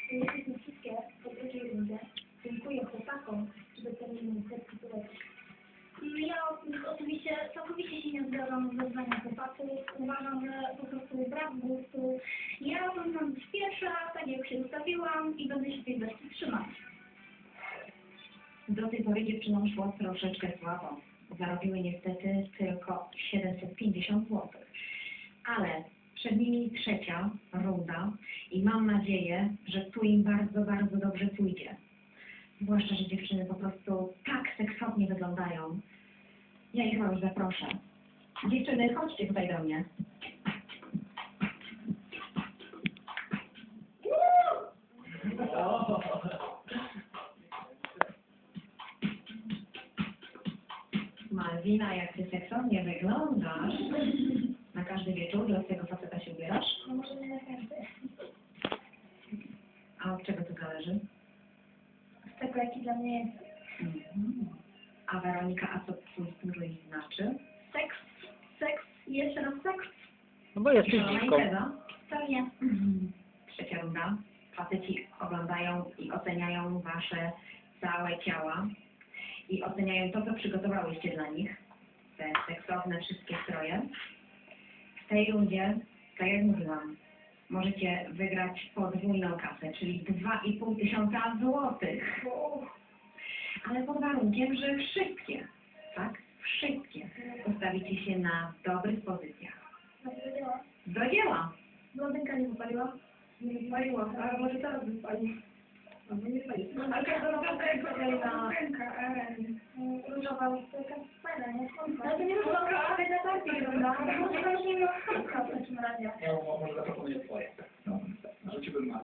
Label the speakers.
Speaker 1: Jesteśmy wszystkie po drugiej rundzie. Dziękuję chłopakom, że docenili setki turecki. Ja oczywiście całkowicie się nie zgadzam z wezwaniem chłopaków. Uważam, że po prostu brak gustu. Ja mam być pierwsza, tak jak się ustawiłam i będę się tej wersji trzymać.
Speaker 2: Do tej pory dziewczynom szło troszeczkę słabo. Zarobiły niestety tylko 750 zł. Ale przed nimi trzecia runda i mam nadzieję, że tu im bardzo, bardzo dobrze pójdzie. Zwłaszcza, że dziewczyny po prostu tak seksownie wyglądają. Ja ich już zaproszę. Dziewczyny, chodźcie tutaj do mnie. Malwina, jak ty seksownie wyglądasz. Na każdy wieczór dla swojego faceta się ubierasz?
Speaker 1: No może nie na każdy.
Speaker 2: A od czego to zależy?
Speaker 1: Z tego, jaki dla mnie jest
Speaker 2: A Weronika, a co twój strój znaczy?
Speaker 1: seks i jeszcze raz seks.
Speaker 3: No bo jesteś
Speaker 2: Szalona
Speaker 3: dziwką.
Speaker 2: impreza?
Speaker 1: Pewnie.
Speaker 2: Trzecia runda. Faceci oglądają i oceniają wasze całe ciała i oceniają to, co przygotowałyście dla nich. Te seksowne wszystkie stroje. W tej rundzie, tak jak mówiłam, możecie wygrać podwójną kasę, czyli 2500 złotych. Ale pod warunkiem, że wszystkie, tak? Wszystkie ustawicie się na dobrych pozycjach. Do dzieła!
Speaker 1: Blondynka nie wypaliła? Nie wypaliła, ale może teraz wypali. Albo nie wypali. Ale każda blondynka różowa ustylka jest fajna, nie? Ale to nie różowa, ale na bardziej wygląda. Może to już nie miała w takim razie.
Speaker 4: Ja może zaproponuję swoje. No, rzuciłbym